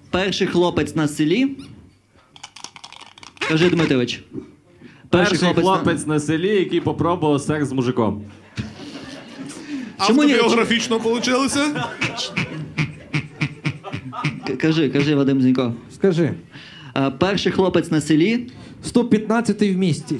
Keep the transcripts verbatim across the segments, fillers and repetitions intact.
Перший хлопець на селі. Кажи, Дмитрович. Перший хлопець, хлопець на... на селі, який попробував секс з мужиком. Чому ні? Автобіографічно вийшло? К- Кажи, кажи, Вадим Зінько. Скажи. Е, Перший хлопець на селі. сто п'ятнадцятий в місті.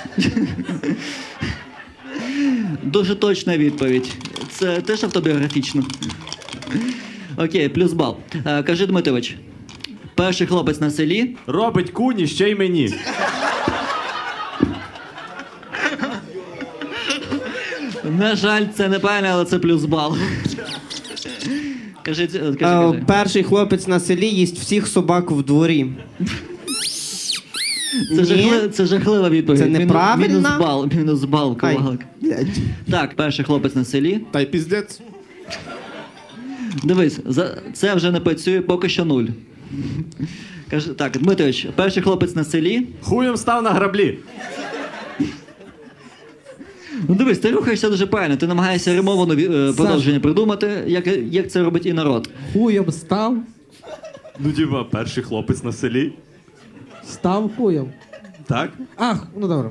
Дуже точна відповідь. Це теж автобіографічно. Окей, плюс бал. Е, Кажи, Дмитрович. Перший хлопець на селі. Робить куні ще й мені. На жаль, це неправильно, але це плюс бал. Кажи, кажи, Е, кажи. Перший хлопець на селі їсть всіх собак в дворі. Це, Ні. жахли... це жахлива відповідь. Це Мінус- неправильно? Мінус бал, мінус бал, Ай, ковалик. блядь. Так, перший хлопець на селі. Та й піздець. Дивись, за... це вже не працює, поки що нуль. Кажи, так, Дмитрович, перший хлопець на селі. Хуєм став на граблі. Ну дивись, ти рухаєшся дуже правильно, ти намагаєшся римовано е, продовження придумати, як, як це робить і народ. Хуєм став, Ну, діва, перший хлопець на селі. став хуєм. Так? Ах, ну добре.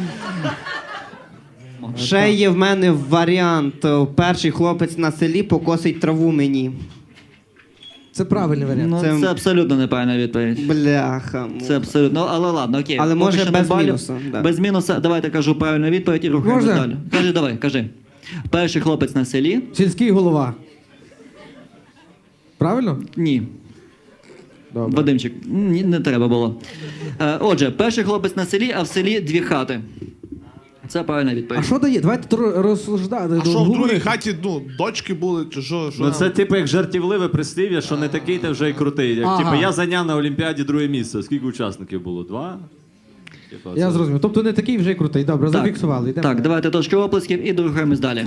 Ще є в мене варіант. е, Перший хлопець на селі покосить траву мені. Це правильний варіант. Ну, Це- це... абсолютно неправильна відповідь. Бляха. ну. Це абсолютно, але ладно, окей. Але Поки може що без балів. мінуса, да. Без мінуса, давайте кажу правильну відповідь і рухаємось Можна? далі. Кажи, давай, кажи. Перший хлопець на селі. Сільський голова. Правильно? Ні. Добре. Вадимчик, ні, не треба було. Е, отже, перший хлопець на селі, а в селі дві хати. Це правильна відповідь. А що дає? Давайте тут розсуждати. А що в другій хаті, ну, дочки були, чи що? що Ну там? це типу як жартівливе прислів'я, що не такий ти вже й крутий. Як, Ага. типу, я зайняв на Олімпіаді друге місце. Скільки учасників було? Два? Типу, Я це- зрозумів. Тобто не такий вже й крутий. Добре, Так. зафіксували. Йдемо Так, далі. давайте трошки оплесків і рухаємось далі.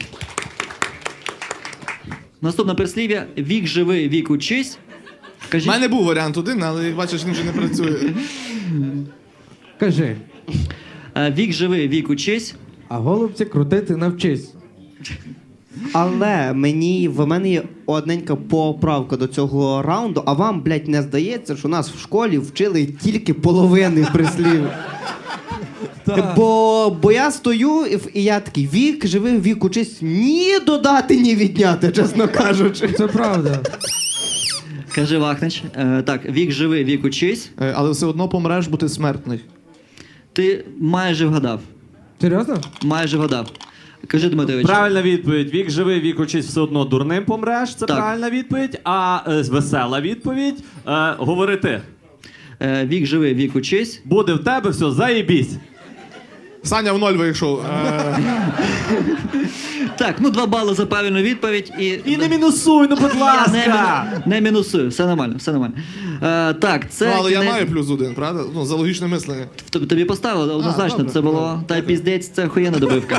Наступне прислів'я. Вік живи, вік учись. У Кажіть, мене був варіант один, але як бачиш, він вже не працює. Кажи. е, вік живи, вік учись. А голубці крутити навчись. Але мені в мене є одненька поправка до цього раунду, а вам, блядь, не здається, що нас в школі вчили тільки половини прислів. Бо, бо я стою і, в- і я такий вік, живий, вік учись, ні додати, ні відняти, чесно кажучи. Це правда. Кажи, Вахнич. Е, так, вік живи, вік учись. Е, Але все одно помреш, бо ти смертний. Ти майже вгадав. Серйозно? Майже вгадав. Кажи, Дмитрович. Правильна відповідь. Вік живий, вік учись, все одно дурним помреш. Це Так. правильна відповідь. А е, весела відповідь. Е, говори ти. Е, вік живи, вік учись. Буде в тебе все, заєбісь. Саня в ноль вийшов. Е, Так, ну два бали за правильну відповідь і. І не мінусуй, ну будь Я ласка. не, не мінусую, все нормально, все нормально. Е, так, це. ну, але я кінець- маю плюс один, правда? Ну, за логічне мислення. Тобі тобі поставили, однозначно, добре, це було. Та й піздець, це охуєнна добивка.